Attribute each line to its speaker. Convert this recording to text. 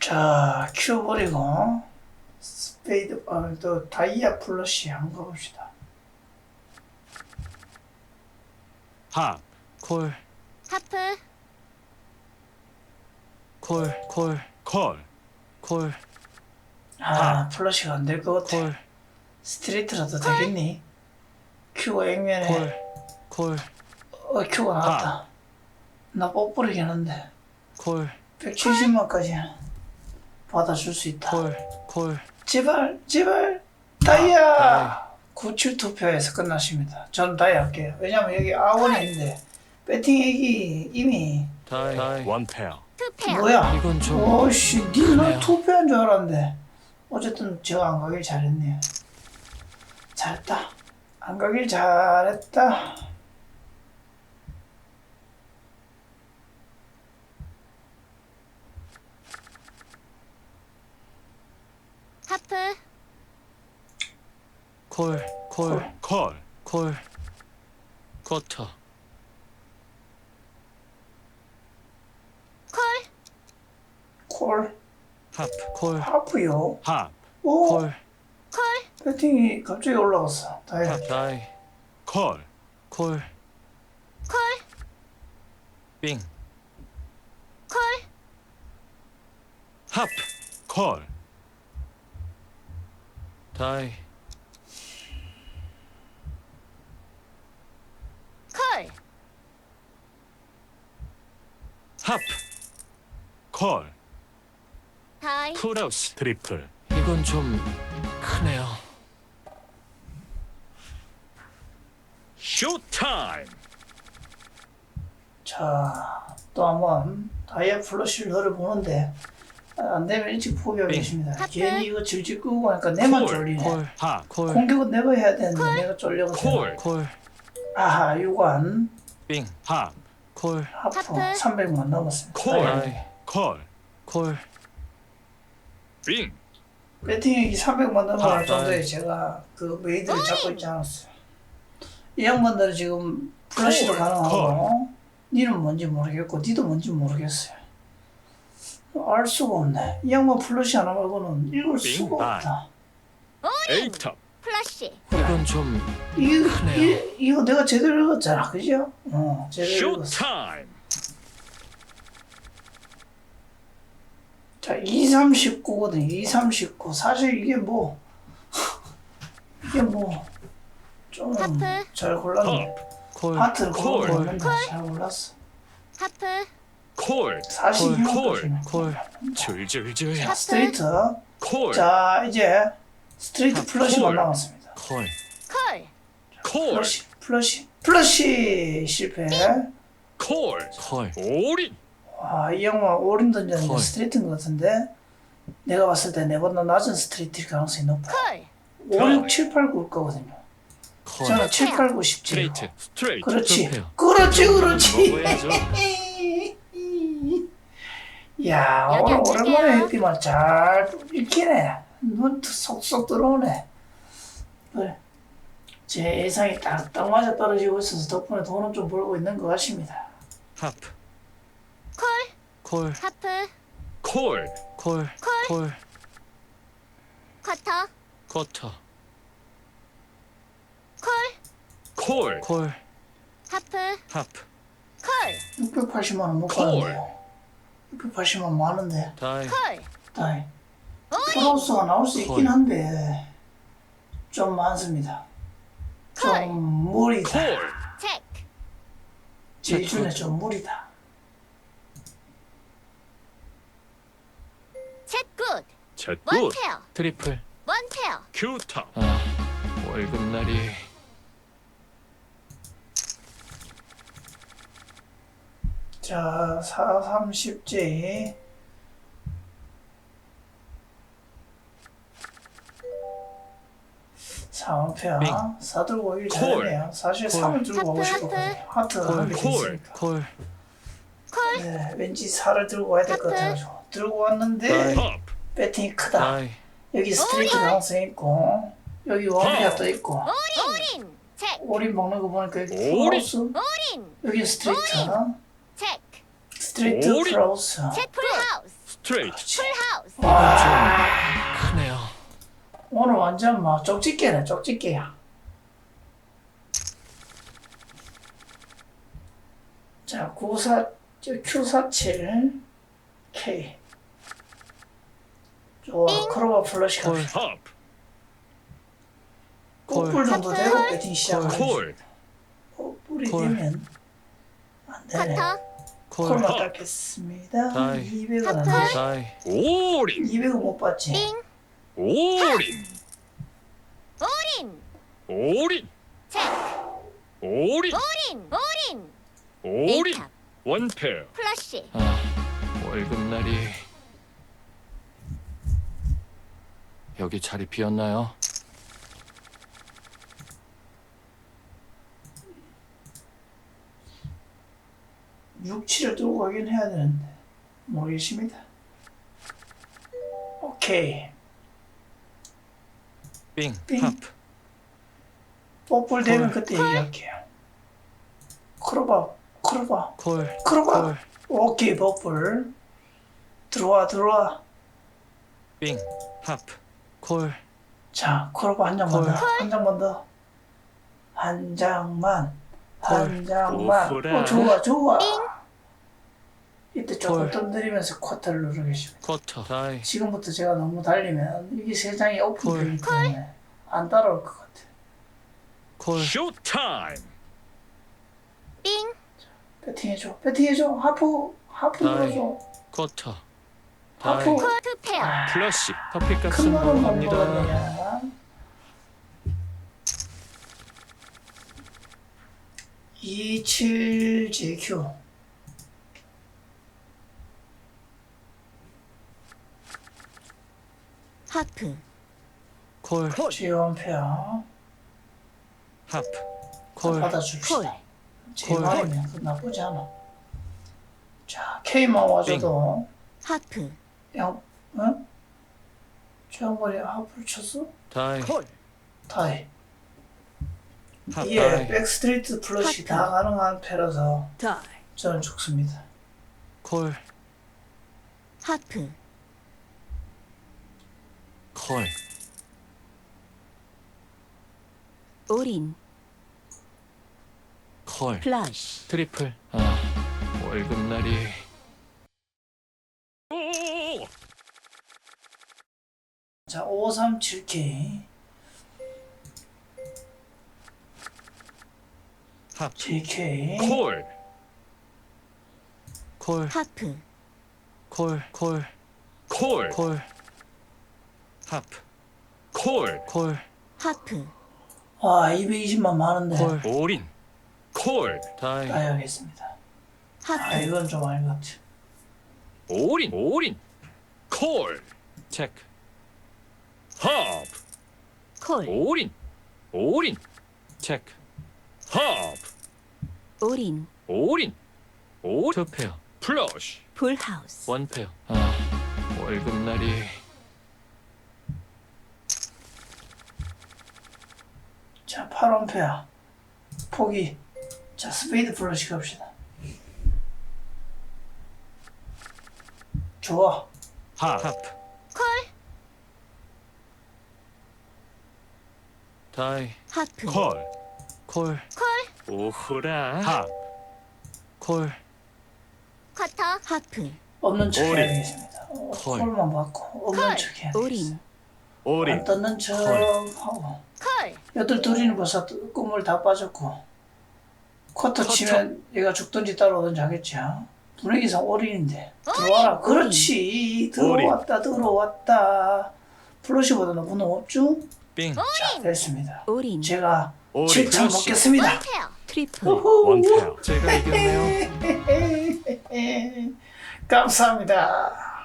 Speaker 1: 자, 큐 버리고 스페이드, 또 다이아 플러시 한번 가봅시다.
Speaker 2: 하,
Speaker 3: 콜,
Speaker 4: 하프,
Speaker 3: 콜, 콜,
Speaker 2: 콜,
Speaker 3: 콜,
Speaker 1: 아, 플러시가 안 될 것 같아.
Speaker 3: 콜,
Speaker 1: 스트레이트라도 되겠니? 큐가 액면에
Speaker 3: 콜,
Speaker 1: 큐가 나왔다. 나 뽀뽀르긴 한데
Speaker 3: 콜,
Speaker 1: 170만까지 받아줄 수 있다.
Speaker 3: 콜,
Speaker 1: 제발 다이아 97 투표에서 끝났습니다. 전 다이아 할게요. 왜냐면 여기 아원이 있는데 배팅액이 이미
Speaker 3: 다이.
Speaker 2: 원페어,
Speaker 4: 투페어.
Speaker 1: 뭐야?
Speaker 3: 이건 좀
Speaker 1: 오씨, 니는
Speaker 3: 크네요.
Speaker 1: 투표한 줄 알았는데 어쨌든 제가 안 가길 잘했네요. 잘했다. 안 가길 잘했다.
Speaker 4: 하프,
Speaker 3: 콜, 콜,
Speaker 2: 콜,
Speaker 3: 콜, 쿼터,
Speaker 4: 콜,
Speaker 1: 콜
Speaker 3: 하프, 콜,
Speaker 1: 하프요.
Speaker 2: 하,
Speaker 1: 오,
Speaker 3: 콜,
Speaker 4: 콜,
Speaker 1: 배팅이 갑자기 올라갔어. 다이아.
Speaker 3: 다이,
Speaker 2: 콜,
Speaker 3: 콜,
Speaker 4: 콜,
Speaker 3: 빙,
Speaker 4: 콜,
Speaker 2: 하프, 콜,
Speaker 3: 다이,
Speaker 4: 콜,
Speaker 2: 하프, 콜,
Speaker 4: 다이,
Speaker 2: 풀하우스, 트리플,
Speaker 3: 이건 좀 크네요.
Speaker 2: 쇼타임,
Speaker 1: 자, 또 한번 다이아 플러시를 노려보는데 안 되면 일찍 포기하겠습니다.
Speaker 4: 하프.
Speaker 1: 괜히 이거 질질 끄고 하니까 내만
Speaker 2: 콜,
Speaker 1: 쫄리네.
Speaker 3: 콜,
Speaker 2: 하,
Speaker 3: 콜,
Speaker 1: 공격은 내가 해야 되는데 내가 쫄려가지고.
Speaker 2: 콜,
Speaker 3: 콜,
Speaker 1: 아하, 유관
Speaker 3: 빙,
Speaker 2: 하,
Speaker 3: 콜,
Speaker 1: 하프
Speaker 4: 하프.
Speaker 1: 300만 넘었습니다.
Speaker 2: 콜.
Speaker 3: 다이,
Speaker 2: 콜,
Speaker 3: 콜,
Speaker 2: 빙,
Speaker 1: 배팅액이 300만 넘어갈
Speaker 3: 하,
Speaker 1: 정도에
Speaker 3: 다이.
Speaker 1: 제가 그 메이드를 잡고 있지 않았어요. 이 양반들은 지금 플러시도
Speaker 2: 콜,
Speaker 1: 가능하고 니는 뭔지 모르겠고 니도 뭔지 모르겠어요. 알 수가 없네. 이 양반 플러시 하나 말고는 읽을 수가
Speaker 2: 빙,
Speaker 1: 없다.
Speaker 2: 에이탑,
Speaker 4: 플러시,
Speaker 3: 이건 좀
Speaker 1: 이거 내가 제대로 읽었잖아, 그죠? 제대로 읽었어.
Speaker 2: 쇼타임,
Speaker 1: 자, 2, 3, 19거든. 2, 3, 19. 사실 이게 뭐 좀
Speaker 4: 하프.
Speaker 1: 잘 골랐네.
Speaker 3: 콜,
Speaker 1: 하트를
Speaker 2: 콜.
Speaker 1: 골랐는데 잘 골랐어.
Speaker 4: 하프,
Speaker 2: 콜,
Speaker 1: 46까지는.
Speaker 3: 콜,
Speaker 2: 줄줄줄,
Speaker 1: 자, 스트레이트.
Speaker 2: 콜,
Speaker 1: 자, 이제 스트레이트
Speaker 3: 하프.
Speaker 1: 플러시만
Speaker 2: 콜.
Speaker 1: 남았습니다.
Speaker 3: 콜,
Speaker 4: 콜,
Speaker 2: 콜,
Speaker 1: 플러시 실패.
Speaker 2: 콜,
Speaker 3: 콜,
Speaker 2: 올인,
Speaker 1: 와, 이 양반 올인 던졌는데
Speaker 3: 콜.
Speaker 1: 스트레이트인 것 같은데 내가 봤을 때 내보다 낮은 스트레이트일 가능성이 높아.
Speaker 4: 콜,
Speaker 1: 5, 6, 7, 8, 9일 거거든요.
Speaker 3: 콜,
Speaker 1: 저는 7, 8, 9, 10, 7.
Speaker 3: 스트레이트,
Speaker 2: 스트레이트,
Speaker 1: 그렇지.
Speaker 3: 투표요.
Speaker 1: 그렇지.
Speaker 3: 먹어야죠.
Speaker 1: 야,
Speaker 4: 여기
Speaker 1: 오늘
Speaker 4: 앉을게요.
Speaker 1: 오랜만에 했더만 잘 읽히네. 눈 속속 들어오네. 그래. 제 예상이 딱 맞아 떨어지고 있어서 덕분에 돈은 좀 벌고 있는 것 같습니다.
Speaker 3: 하프,
Speaker 4: 콜,
Speaker 3: 콜,
Speaker 4: 하프,
Speaker 2: 콜,
Speaker 3: 콜, 콜,
Speaker 4: 쿼터,
Speaker 3: 쿼터,
Speaker 4: 콜,
Speaker 2: 콜,
Speaker 3: 콜,
Speaker 4: 하프,
Speaker 3: 하프,
Speaker 4: 콜,
Speaker 1: 680만 원 못
Speaker 2: 콜.
Speaker 1: 가는데요. 680만 원 많은데.
Speaker 3: 다이,
Speaker 4: 콜,
Speaker 1: 다이. 프로스가 나올 수 있긴
Speaker 3: 콜.
Speaker 1: 한데 좀 많습니다. 좀 무리다.
Speaker 2: 콜,
Speaker 4: 체크,
Speaker 1: 제 기준에 좀 무리다.
Speaker 4: 체크 굿,
Speaker 2: 챗굿,
Speaker 4: 원페어,
Speaker 3: 트리플.
Speaker 4: 원페어,
Speaker 2: 큐탑,
Speaker 3: 아, 월급날이
Speaker 1: 자, 4, 30J. 사원페어
Speaker 3: 빙.
Speaker 1: 4 들고 오길
Speaker 2: 콜.
Speaker 1: 잘했네요. 사실
Speaker 3: 콜.
Speaker 1: 3을 들고 가고
Speaker 4: 하프,
Speaker 1: 싶었거든요. 하트가
Speaker 3: 콜.
Speaker 1: 한개
Speaker 2: 콜.
Speaker 1: 있으니까.
Speaker 3: 콜,
Speaker 4: 콜,
Speaker 1: 네, 왠지 4를 들고 와야 될 것
Speaker 4: 하프.
Speaker 1: 같아가지고 들고 왔는데
Speaker 3: 다이.
Speaker 2: 팝,
Speaker 1: 배팅이 크다.
Speaker 3: 다이,
Speaker 1: 여기 스트레이트 가능성이 있고 여기 원페어 또 있고
Speaker 4: 올인, 체크,
Speaker 1: 오린 먹는 거 보니까 여기
Speaker 2: 오린.
Speaker 1: 플러스
Speaker 4: 올인,
Speaker 1: 여기 스트레이트
Speaker 4: 체크,
Speaker 1: 스트레이트
Speaker 2: 오린.
Speaker 1: 플러스
Speaker 4: 체크 풀하우스,
Speaker 2: 스트레이트.
Speaker 4: 풀하우스.
Speaker 1: 와,
Speaker 3: 크네요.
Speaker 1: 오늘 완전 뭐 쪽집게네, 쪽집게야. 자, Q47 K. 좋아, 크로바 플러시
Speaker 3: 콜.
Speaker 1: 갑시다.
Speaker 2: 팝.
Speaker 1: 꿀 정도 되고 배팅 시작하겠습니다.
Speaker 2: 콜.
Speaker 1: 꿀이
Speaker 3: 콜.
Speaker 1: 되면 안 되네.
Speaker 4: 커터.
Speaker 3: 콜.
Speaker 1: 콜만 닦겠습니다.
Speaker 3: 다이.
Speaker 1: 200은 안 되지.
Speaker 3: 다이.
Speaker 2: 올인.
Speaker 1: 200은 못 받지.
Speaker 4: 빙.
Speaker 2: 올인.
Speaker 4: 올인.
Speaker 2: 올인.
Speaker 4: 체크.
Speaker 2: 올인.
Speaker 4: 올인. 올인.
Speaker 2: 올인.
Speaker 4: 에이탑.
Speaker 2: 원페어.
Speaker 4: 플러시.
Speaker 3: 월급날이 여기 자리 비었나요?
Speaker 1: 육치를 들고 가긴 해야 되는데 모르겠습니다. 오케이.
Speaker 3: 빙.
Speaker 1: 빙.
Speaker 3: 팝.
Speaker 1: 뽀뽀 되면
Speaker 3: 콜.
Speaker 1: 그때 얘기할게요. 크로바, 크로바,
Speaker 3: 콜.
Speaker 1: 크로바.
Speaker 3: 콜.
Speaker 1: 오케이, 뽀뽀. 들어와, 들어와.
Speaker 3: 빙. 팝. 콜.
Speaker 1: 자, 크로바 한 장만 더.
Speaker 3: 콜.
Speaker 1: 한 장만 더. 한 장만.
Speaker 3: 콜.
Speaker 1: 한 장만.
Speaker 2: 오호라.
Speaker 1: 좋아, 좋아.
Speaker 4: 빙.
Speaker 1: 이때 조금
Speaker 3: 콜.
Speaker 1: 던드리면서 쿼터를 누르겠습니다.
Speaker 3: 쿼터. 다이.
Speaker 1: 지금부터 제가 너무 달리면 이게 세 장이 오픈되기
Speaker 3: 콜.
Speaker 1: 때문에 안 따라올 것 같아.
Speaker 3: 콜.
Speaker 2: 쇼타임.
Speaker 4: 빙.
Speaker 1: 배팅해줘, 배팅해줘. 하프, 하프
Speaker 3: 다이.
Speaker 1: 눌러줘.
Speaker 3: 쿼터.
Speaker 1: 하프.
Speaker 3: 다이.
Speaker 4: 투 페어.
Speaker 3: 플러시. 커피
Speaker 1: 큰
Speaker 3: 값은
Speaker 1: 놈은 못
Speaker 3: 넘어갑니다.
Speaker 1: 먹었냐. 27JQ.
Speaker 4: 하프.
Speaker 3: 콜.
Speaker 1: 지원페어.
Speaker 3: 합. 콜.
Speaker 1: 받아줍시다.
Speaker 4: 콜.
Speaker 1: 제
Speaker 3: 콜.
Speaker 1: 말이면 그 나쁘지 않아. K만 와줘도
Speaker 4: 하프.
Speaker 1: 양, 응? 저 양반이 하프를 쳤어?
Speaker 3: 다이.
Speaker 1: 다이.
Speaker 3: 합.
Speaker 1: 이게
Speaker 3: 다이.
Speaker 1: 백스트레이트 플러시
Speaker 4: 하프.
Speaker 1: 다 가능한 패라서
Speaker 4: 다이.
Speaker 1: 저는 좋습니다.
Speaker 3: 콜.
Speaker 4: 하프.
Speaker 3: 콜.
Speaker 4: 올인.
Speaker 3: 콜.
Speaker 4: 플러시.
Speaker 3: 트리플. 월급날이
Speaker 2: 오.
Speaker 1: 자, 537K.
Speaker 3: 합.
Speaker 1: JK.
Speaker 2: 콜.
Speaker 3: 콜.
Speaker 4: 하프.
Speaker 3: 콜. 콜.
Speaker 2: 콜.
Speaker 3: 콜. 합.
Speaker 2: 콜.
Speaker 3: 콜.
Speaker 4: 하프.
Speaker 1: 와, 220만 많은데.
Speaker 3: 콜.
Speaker 2: 올인. 콜.
Speaker 3: 다이.
Speaker 1: 따야겠습니다. 아,
Speaker 4: 하프.
Speaker 1: 이건 좀 아닌 것 같아.
Speaker 2: 올인. 올인. 콜.
Speaker 3: 체크.
Speaker 2: 팝.
Speaker 4: 콜.
Speaker 2: 올인. 올인.
Speaker 3: 체크.
Speaker 2: 팝.
Speaker 4: 올인.
Speaker 2: 올인. 올.
Speaker 3: 투 페어.
Speaker 2: 플러시.
Speaker 4: 풀하우스.
Speaker 3: 원 페어. 월급날이
Speaker 1: 자, 8원페어. 포기. 자, 스페이드 플러시 갑시다. 좋아.
Speaker 2: 팝.
Speaker 3: 합.
Speaker 4: 콜.
Speaker 3: 다이.
Speaker 4: 하프.
Speaker 2: 콜.
Speaker 3: 콜.
Speaker 4: 콜.
Speaker 2: 오호라. 팝.
Speaker 3: 콜.
Speaker 4: 커터. 하프.
Speaker 1: 없는 척
Speaker 2: 올인.
Speaker 1: 해야 되겠습니다.
Speaker 3: 콜.
Speaker 1: 콜만 받고 없는
Speaker 4: 콜.
Speaker 1: 척 해야 되겠습니다.
Speaker 4: 올인.
Speaker 1: 안
Speaker 2: 올인.
Speaker 1: 떴는 척
Speaker 3: 콜.
Speaker 1: 하고.
Speaker 4: 콜.
Speaker 1: 여덟 둘이는 벌써 꿈을 다 빠졌고 쿼터
Speaker 3: 쿼터.
Speaker 1: 치면 얘가 죽든지 따라오든지 하겠지. 분위기상 올인인데 들어와라. 그렇지. 들어왔다, 들어왔다. 플러시보다 너무 높죠?
Speaker 3: 빙.
Speaker 1: 자, 됐습니다.
Speaker 4: 올인.
Speaker 1: 제가
Speaker 2: 올인.
Speaker 1: 7천
Speaker 2: 플러시.
Speaker 1: 먹겠습니다.
Speaker 4: 원페어. 트리플.
Speaker 2: 원페어.
Speaker 3: 제가 이겼네요.
Speaker 1: 감사합니다.